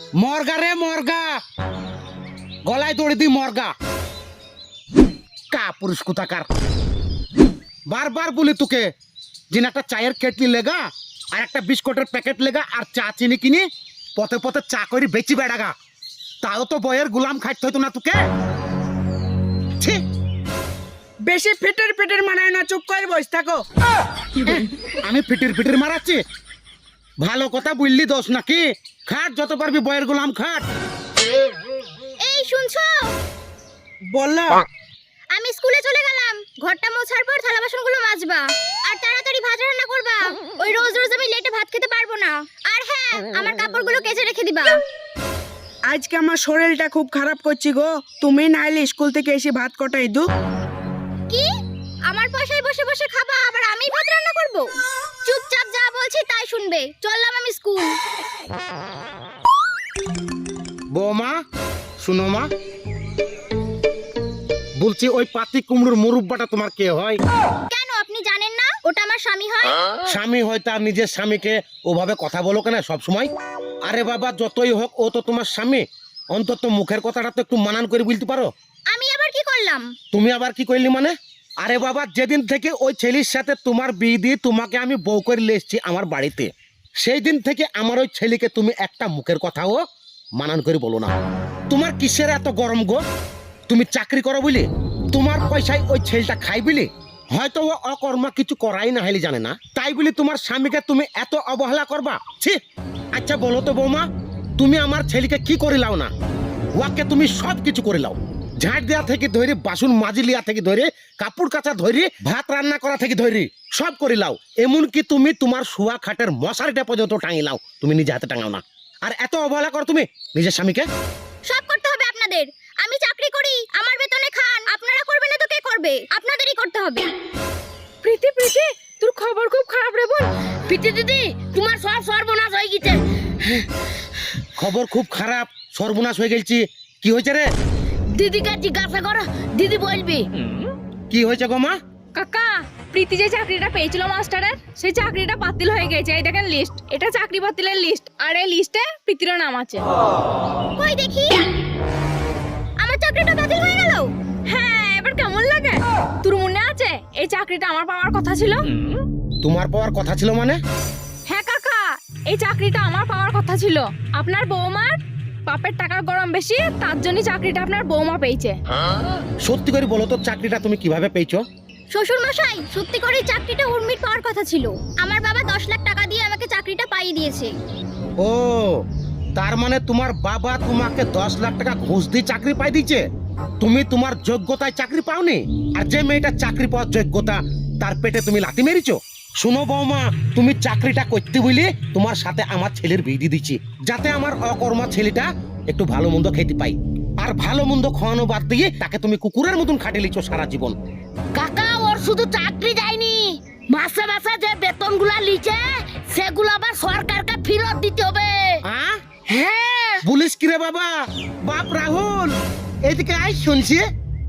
মর্গা রে মর্গা, গলায় দড়ি দি মর্গা। কা পুরুষ কোথাকার, বারবার বলি তোকে যে একটা চায়ের কেটলি লেগা আর একটা বিস্কুটের প্যাকেট লেগা আর চা চিনি কিনি পথে পথে চা করি বেচি বেড়াগা, তাও তো বইয়ের গুলাম খাইতে হইতো না তোকে। ছি, বেশি ফিটের ফিটের মানায় না, চুপ করে বসে থাকো। আমি ফিটির ফিটির মারাচ্ছি? ভালো কথা বললি দোষ নাকি? খাট যত পারবি বইয়ের গুলাম খাট। এই শুনছো? বললো আমি স্কুলে চলে গেলাম, ঘরটা মোছার পর থালা বাসনগুলো মাজবা আর তাড়াতাড়ি ভাত রান্না করবা। ওই রোজ রোজ আমি লেটে ভাত খেতে পারবো না। আর হ্যাঁ, আমার কাপড়গুলো কেচে রেখে দিবা। আজকে আমার শরীরটা খুব খারাপ করছি গো, তুমি নাইলে স্কুল থেকে এসে ভাত কটাই দু। কি? আমার পয়সায় বসে বসে খাবা আবার আমি ভাত রান্না করব? চুপচাপ যা বলছি তাই শুনবে। চললাম আমি স্কুল। বৌমা শুনো মা, বলছি ওই পাতি কুমড়োর মুরব্বাটা তোমার কে হয়? কেন আপনি জানেন না ওটা আমার স্বামী হয়? স্বামী হয় তার নিজের স্বামীকে ওভাবে কথা বলো কেন সব সময়? আরে বাবা যতই হোক ও তো তোমার স্বামী, অন্তত মুখের কথাটা তো একটু মানান করে বলতে পারো। আমি আবার কি করলাম? তুমি আবার কি করলি মানে? আরে বাবা যেদিন থেকে ওই ছেলের সাথে তোমার বিয়ে দিয়ে তোমাকে আমি বউ করে নিয়ে এসেছি আমার বাড়িতে, সেই দিন থেকে আমার ওই ছেলেকে তুমি একটা মুখের কথাও মানান করে বলো না। তোমার কিসের এত গরম গো? তুমি চাকরি করো বলে, তোমার পয়সায় ওই ছেলেটা খাই বলে, হয়তো ও অকর্মা কিছু করাই না হলে জানে না, তাই বলে তোমার স্বামীকে তুমি এত অবহেলা করবা? ছি! আচ্ছা বলো তো বৌমা, তুমি আমার ছেলেকে কি করে লাও না? ওয়াকে তুমি সব কিছু করে লাও, ঝাঁট দেওয়া থেকে ধরে, বাসন মাজি লিয়া থেকে ধরে, কাপড় কাচা ধরে, ভাত রান্না করা থেকে ধরে সব করে লাও। এমনকি তুমি তোমার শোয়া খাটের মশারিটা পর্যন্ত টাঙিয়ে লাও, তুমি নিজে হাতে টাঙাও না। আর এত অবহেলা করো তুমি নিজের স্বামীকে? সব করতে হবে আপনাদের। আমি চাকরি করি, আমার বেতনে খান। আপনারা করবেন না তো কে করবে? আপনাদেরই করতে হবে। প্রীতি প্রীতি, তোর খবর খুব খারাপ রে বোন। প্রীতি দিদি, তোমার সব সর্বনাশ হয়ে গেছে। খবর খুব খারাপ, সর্বনাশ হয়ে গেছি। কি হয়েছে রে? দিদিকে জিজ্ঞাসা করো, দিদি বলবি। কি হয়েছে গো মা? কাকা, প্রীতি যে চাকরিটা পেয়েছিল মাস্টারের, সেই চাকরিটা বাতিল হয়ে গেছে। এই দেখেন লিস্ট, এটা চাকরি বাতিলের লিস্ট, আর এই লিস্টে প্রীতির নাম আছে। কই দেখি, আমার চাকরিটা বাতিল হয়ে গেল। হ্যাঁ, এবার কেমন লাগে? তোর মনে আছে এই চাকরিটা আমার পাওয়ার কথা ছিল? তোমার পাওয়ার কথা ছিল মানে? হ্যাঁ কাকা, এই চাকরিটা আমার পাওয়ার কথা ছিল। আপনার বৌমার বাপের টাকার গরম বেশি, তার জন্য চাকরিটা আপনার বৌমা পেয়েছে। সত্যি করে বলো তো, চাকরিটা তুমি কিভাবে পেয়েছো? শ্বশুর মশাই, সত্যি করে চাকরিটা উর্মির পাওয়ার কথা ছিল। আমার বাবা 10 লাখ টাকা দিয়ে আমাকে চাকরিটা পাইয়ে দিয়েছে। ও, তার মানে তোমার বাবা তোমাকে 10 লাখ টাকা ঘুষ দিয়ে চাকরি পাই দিয়েছে, তুমি তোমার যোগ্যতায় চাকরি পাওনি। আর যে মেয়েটা চাকরি পাওয়ার যোগ্যতা, তার পেটে তুমি লাথি মেরেছো। শুনো বৌমা, তুমি চাকরিটা করতে বলে তোমার সাথে আমার ছেলের বিয়ে দিয়ে দিচ্ছি, যাতে আমার অকর্মা ছেলেটা একটু ভালো মন্দ খেতে পাই। আর ভালো মন্দ খাওয়ানো বাদ দিয়ে তাকে তুমি কুকুরের মতন খাটিয়ে লিছো সারা জীবন। কাকা, ওর শুধু চাকরি যায়নি, মাসে মাসে যে বেতনগুলা লিচে সেগুলো আবার সরকারকে ফেরত দিতে হবে। হ্যাঁ, বলিস কি রে বাবা? বাপ রাহুল, এদিকে আয়, শুনছি।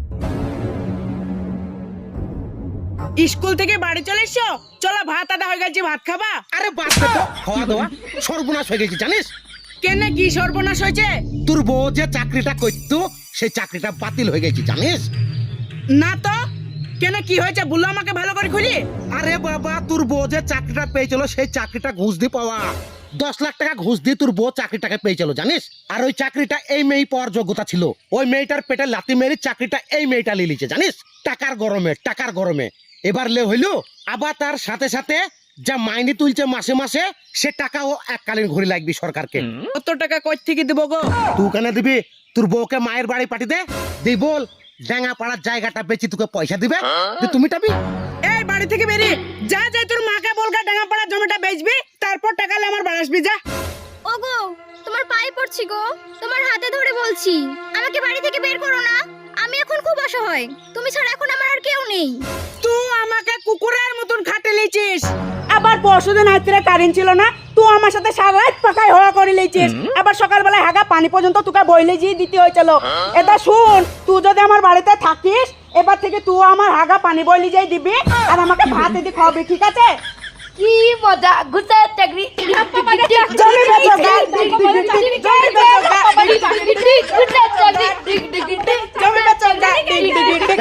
স্কুল থেকে বাড়ি চলে এসো, চলো ভাত আদা হয়ে গেছে, ভাত খাবা? আরে বাদ দে তো, খাওয়া দাওয়া সর্বনাশ হয়ে গেছে জানিস? কেন, কি সর্বনাশ হয়েছে? তোর বউ যে চাকরিটা করতো সেই চাকরিটা বাতিল হয়ে গেছে জানিস? না তো, কেন কি হয়েছে বললো আমাকে ভালো করে খুলি। আরে বাবা, তোর বউ যে চাকরিটা পেয়েছিল সেই চাকরিটা ঘুষ দিয়ে পাওয়া। 10 লাখ টাকা ঘুষ দিয়ে তোর বউ চাকরিটাকে পেয়েছিল জানিস? আর ওই চাকরিটা এই মেয়ে পাওয়ার যোগ্যতা ছিল। ওই মেয়েটার পেটে লাথি মেরে চাকরিটা এই মেয়েটা নিয়ে নিয়েছে জানিস? টাকার গরমে, টাকার গরমে। এবার লে হইলো, আবার তার সাথে সাথে যা মাইনে তুলছে মাসে মাসে, সে টাকাও এককালীন ঘুরে লাগবে সরকারকে। কত টাকা কই থেকে দিব গো? তুই কেন দিবি? তোর বউকে মায়ের বাড়ি পাঠিয়ে দে, দিয়ে বল ডাঙ্গা পাড়ার জায়গাটা বেচি তোকে পয়সা দিবে, দিয়ে তুমি টাবি। এই বাড়ি থেকে বেরিয়ে যা, যা তোর মাকে বলগা ডাঙ্গাপাড়া জমিটা বেচবি, তারপর টাকা নিয়ে আমার বাড়ি আসবি, যা। ওগো, তোমার পায়ে পড়ছি গো, তোমার হাতে ধরে বলছি, আমাকে বাড়ি থেকে বের করো না। আমি এখন খুব অসহায়, তুমি ছাড়া এখন আমার আর কেউ নেই। তুই আমাকে কুকুরের মতন খাটে লিছিস। আবার পরশুদিন রাত্রে কারেন্ট ছিল না, তুই আমার সাথে সারা রাত পাকাই হওয়া করে লিছিস। আবার সকালবেলা হাগা পানি পর্যন্ত তোকে বইলে দিয়ে দিতে হয়েছিল। এটা শুন, তুই যদি আমার বাড়িতে থাকিস, এবার থেকে তুই আমার হাগা পানি বইলে যাই দিবি আর আমাকে ভাত এদি খাওয়াবি, ঠিক আছে? কি মজা, ঘুরতে চাকরি। জমি বেচো, জমি বেচো।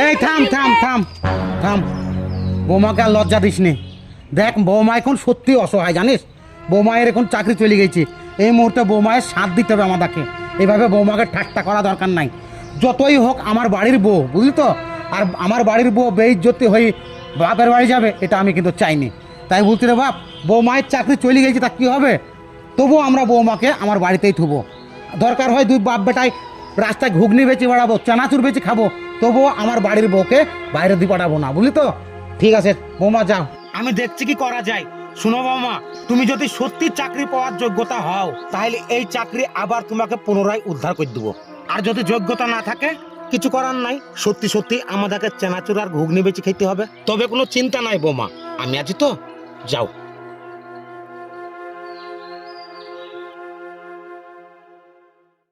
এই থাম থাম থাম থাম, বৌমাকে আর লজ্জা দিস নি। দেখ বৌমা এখন সত্যি অসহায় জানিস, বৌমায়ের এখন চাকরি চলে গেছে, এই মুহূর্তে বৌমায়ের সাথ দিতে হবে আমাদেরকে। এইভাবে বৌমাকে ঠাট্টা করা দরকার নাই। যতই হোক আমার বাড়ির বউ, বুঝলি তো, আর আমার বাড়ির বউ বেইজ্জতি হয়ে বাপের বাড়ি যাবে এটা আমি কিন্তু চাইনি। তাই বলছি রে বাপ, বৌমায়ের চাকরি চলে গেছে তা কী হবে, তবুও আমরা বৌমাকে আমার বাড়িতেই থুবো। দরকার হয় দুই বাপ বেটায় রাস্তায় ঘুগনি বেচে বেড়াবো, চানাচুর বেচে খাবো, তবুও আমার বাড়ির বউকে বাইরে দিয়ে পাঠাবো না, বুঝলি তো। ঠিক আছে বৌমা যাও, আমি দেখছি কি করা যায়। শুনো বৌমা, তুমি যদি সত্যি চাকরি পাওয়ার যোগ্যতা হও তাহলে এই চাকরি আবার তোমাকে পুনরায় উদ্ধার করে দেবো। আর যদি যোগ্যতা না থাকে কিছু করার নাই, সত্যি সত্যি আমাদেরকে চানাচুর আর ঘুগনি বেচে খেতে হবে। তবে কোনো চিন্তা নাই বৌমা, আমি আছি তো, যাও।